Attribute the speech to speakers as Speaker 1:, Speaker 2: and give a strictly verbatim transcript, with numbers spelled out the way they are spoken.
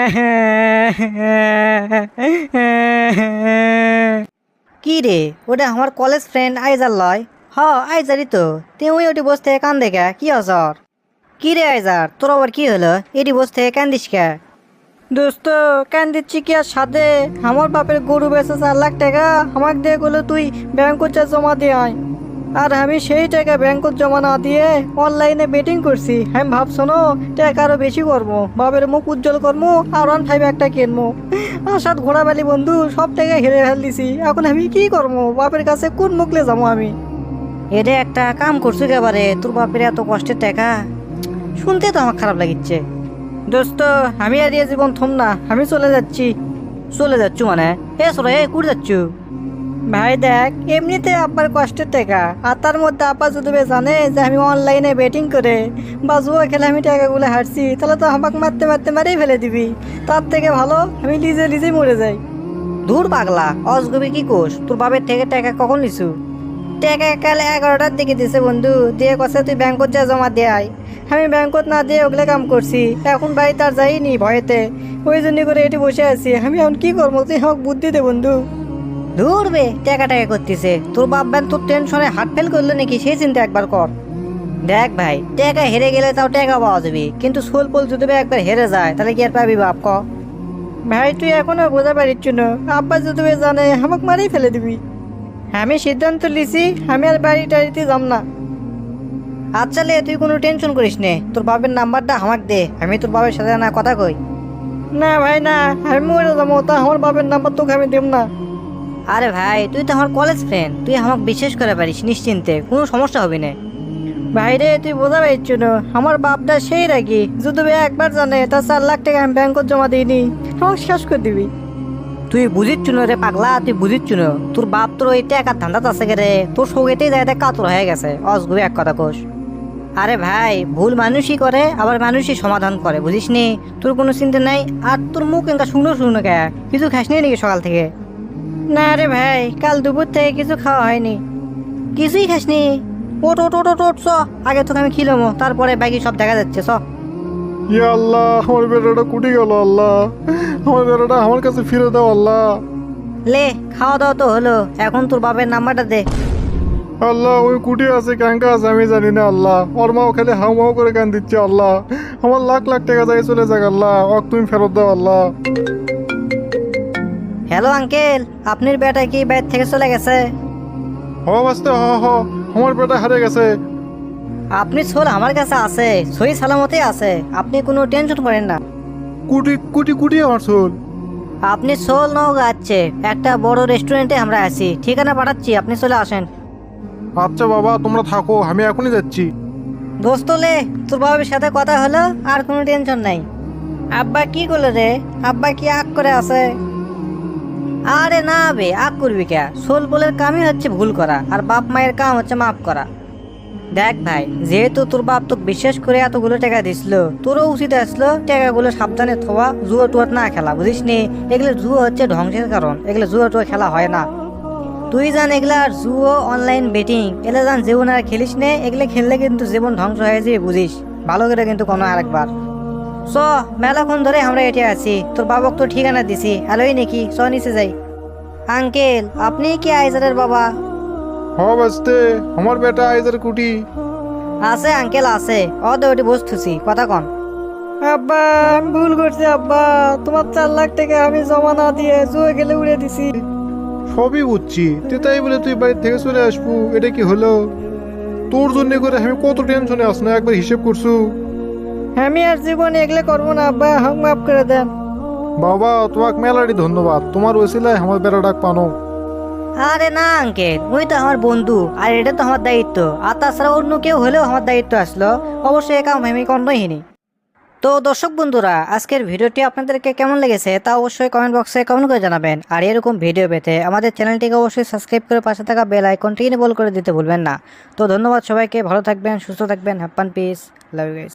Speaker 1: কি রে, ওটা আমার কলেজ ফ্রেন্ড আইজার লয়। হ আইজারই তো। তুই ওটি বসতে কান দেখা কি হসর? কি রে আইজার, তোর আবার কি হলো? এটি বসতে কান্দিস কে? দোস্ত কেন দিচ্ছি কি আর সাথে? আমার বাপের গরু বেচে চার লাখ টাকা আমাকে দিয়ে গেলো তুই ব্যাংকত যা জমা দিয়ে আয়। আর আমি সেই টাকা ব্যাংকত জমা না দিয়ে অনলাইনে বেটিং করছি। আমি ভাবছো না টাকা আরো বেশি করবো, বাপের মুখ উজ্জ্বল করবো আর ওয়ান ফাইভ একটা কিনবো। আসাদ ঘোড়াবালি বন্ধু সব টাকা হেরে ফেল দিছি। এখন আমি কি করবো? বাপের কাছে কোন মুখলে যাবো আমি? এটা একটা কাম করছো একেবারে, তোর বাপের এত কষ্টের টাকা শুনতে তো আমার খারাপ লাগিচ্ছে। দোস্ত আমি আর এই জীবন থম না, আমি চলে যাচ্ছি। চলে যাচ্ছ মানে? এ সরে এ কুড়ে যাচ্ছ? ভাই দেখ, এমনিতে আব্বার কষ্টের টাকা, আর তার মধ্যে আব্বা যদি জানে যে আমি অনলাইনে বেটিং করে বা জুয়া খেলে আমি টাকাগুলো হারছি, তাহলে তো আমাকে মারতে মারতে মারেই ফেলে দিবি। তার থেকে ভালো আমি লিজে লিজে মরে যাই। দূর পাগলা, অজগবি কি কোষ? তোর বাপের থেকে টাকা কখন নিছু? টাকা কাল এগারোটার দিকে দিছে বন্ধু, দিয়ে কষে তুই ব্যাংকত যা জমা দিয়ে আয়। আমি ব্যাংকত না দিয়ে ওগুলো কাম করছি, এখন বাড়ি তার যাইনি ভয়েতে, ওই জন্য করে এটি বসে আছি। আমি এখন কি করবো? তুই আমাকে বুদ্ধি দে বন্ধু। ধরবে টাকা টাকা করতেছে, তোর বাপ ব্যান তোর টেনশনে হার্ট ফেল করলো নাকি সেই চিন্তা একবার কর। দেখ ভাই, টাকা হেরে গেলে তাও টাকা পাওয়া যাবে, কিন্তু সোল পোল যদি একবার হেরে যায় তাহলে কি আর পাবি বাপ ক? ভাই তুই এখনো বোঝা পারিস না, আব্বা যদি জানে আমাকে মারেই ফেলে দিবি। আমি সিদ্ধান্ত লিছি আমি আর বাড়ি টাড়িতে যাম না। আচ্ছা লে, তুই কোনো টেনশন করিস নে, তোর বাপের নাম্বারটা আমাকে দে, আমি তোর বাপের সাথে না কথা কই। না ভাই না, আমি মরে যাবো, তা আমার বাপের নাম্বার তোকে আমি দেব না। আরে ভাই তুই তো আমার কলেজ ফ্রেন্ড, তুই আমাকে বিশ্বাস করে পারিস নিশ্চিন্তে, কোনো সমস্যা হবে না। ভাই রে তুই বোঝা পারিস না, আমার বাপটা সেই রাখি, যদি একবার জানে তার চার লাখ টাকা আমি ব্যাংকত জমা দিইনি, আমাকে শেষ করে দিবি। তুই বুঝিচ্ছ না রে পাগলা, তুই বুঝিচ্ছ না, তোর বাপ তোর ওই টাকার ধান্দাত আছে রে, তোর সৌগেতেই যায় কাতর হয়ে গেছে অসগুবি এক কথা কোষ। আরে ভাই ভুল মানুষই করে, আবার মানুষই সমাধান করে, বুঝিস নি? তোর কোনো চিন্তা নাই। আর তোর মুখ এনকা শুকনো শুকনো কে, কিছু খাস নি নাকি সকাল থেকে? না রে ভাই, কাল দুপুর থেকে কিছু খাওয়া হয়নি। কিছুই খাসনি? ওট ওট ওট ওট ওট চ, আগে তোকে আমি খিলামো, তারপরে বাকি সব দেখা যাচ্ছে চ।
Speaker 2: ইয়া আল্লাহ, আমার বেটাটা কুটি গেল আল্লাহ, আমার বেটাটা আমার কাছে ফিরে দাও আল্লাহ।
Speaker 1: লে খাওয়া দাওয়া তো হলো, এখন তোর বাপের নাম্বারটা দে।
Speaker 2: আল্লাহ ওই কুটি আছে ক্যাঙ্কা আছে আমি জানি না আল্লাহ, ওর মাও খালি হাউ মাউ করে কান দিচ্ছে আল্লাহ, আমার লাখ লাখ টাকা যায় চলে যাক আল্লাহ, ওক তুমি ফেরত দাও আল্লাহ।
Speaker 1: হ্যালো আঙ্কেল, আপনার বেটা কি বাইরে থেকে চলে গেছে?
Speaker 2: হ বাস্তে হ হ, আমার বেটা হারে গেছে।
Speaker 1: আপনি ছোল আমার কাছে আছে, সই সালামতে আছে, আপনি কোনো টেনশন করেন না।
Speaker 2: কুটি কুটি কুটি আমার চুল।
Speaker 1: আপনি সোল নওগাঁ আছে, একটা বড় রেস্টুরেন্টে আমরা আছি, ঠিকানা পাঠাচ্ছি, আপনি চলে আসেন।
Speaker 2: আচ্ছা বাবা তোমরা থাকো, আমি এখনই যাচ্ছি।
Speaker 1: দোস্ত লে, তোর বাবার সাথে কথা হলো, আর কোনো টেনশন নাই। আব্বা কি করলো রে? আব্বা কি আগ করে আছে? আরে না বে, আগ করবি কে? সোল বলের কামই হচ্ছে ভুল করা, আর বাপ মায়ের কাম হচ্ছে মাফ করা। দেখ ভাই, যেহেতু তোর বাপ তোকে বিশ্বাস করে এতগুলো টাকা দিছিল, তোরও উচিত আসলো টাকাগুলো সাবধানে থোয়া, জুয়া টুয়া না খেলা, বুঝিস নি? এগুলো জুয়া হচ্ছে ধ্বংসের কারণ, এগুলো জুয়া টুয়া খেলা হয় না। তুই জান এগুলা আর জুয়ো অনলাইন বেটিং এগুলো জান জীবন আর খেলিস নে, এগুলো খেললে কিন্তু জীবন ধ্বংস হয়ে যাবে, বুঝিস? ভালো করে কিন্তু কোনো আরেকবার চ, মেলাক্ষণ ধরে আমরা এটি আছি, তোর বাবক তো ঠিকানা দিছি, হ্যালোই নাকি, চ নিচে যাই। আঙ্কেল আপনি কি আইজারের বাবা?
Speaker 2: হ বাস্তে, আমার বেটা আইজার কুটি
Speaker 1: আছে আঙ্কেল আছে, অদে ওটি বসতেছি, কথা কন। আব্বা আমি ভুল করছি আব্বা, তোমার চার লাখ টাকা আমি জমা না দিয়ে জুয়ে গেলে উড়ে দিছি।
Speaker 2: সবই বুঝছি, তুই তাই বলে তুই বাড়ি থেকে চলে আসবো, এটা কি হলো? তোর জন্য করে আমি কত টেনশনে আস না, একবার হিসেব করছু?
Speaker 1: আমি আর জীবনে এগুলো করবো না আব্বা, হাম মাফ করে দেন।
Speaker 2: বাবা তোমাকে মেলাটি ধন্যবাদ, তোমার ওসিলায় আমার বেড়া ডাক পানো।
Speaker 1: আরে না আঙ্কেল, ওই তো আমার বন্ধু, আর এটা তো আমার দায়িত্ব, আর তাছাড়া অন্য কেউ হলেও আমার দায়িত্ব আসলো, অবশ্যই একা আমি কর্ণহীনী। তো দর্শক বন্ধুরা, আজকের ভিডিওটি আপনাদেরকে কেমন লেগেছে তা অবশ্যই কমেন্ট বক্সে কমেন্ট করে জানাবেন, আর এরকম ভিডিও পেতে আমাদের চ্যানেলটিকে অবশ্যই সাবস্ক্রাইব করে পাশে থাকা বেল আইকনটি এনেবল করে দিতে ভুলবেন না। তো ধন্যবাদ সবাইকে, ভালো থাকবেন, সুস্থ থাকবেন, happy peace, love you guys.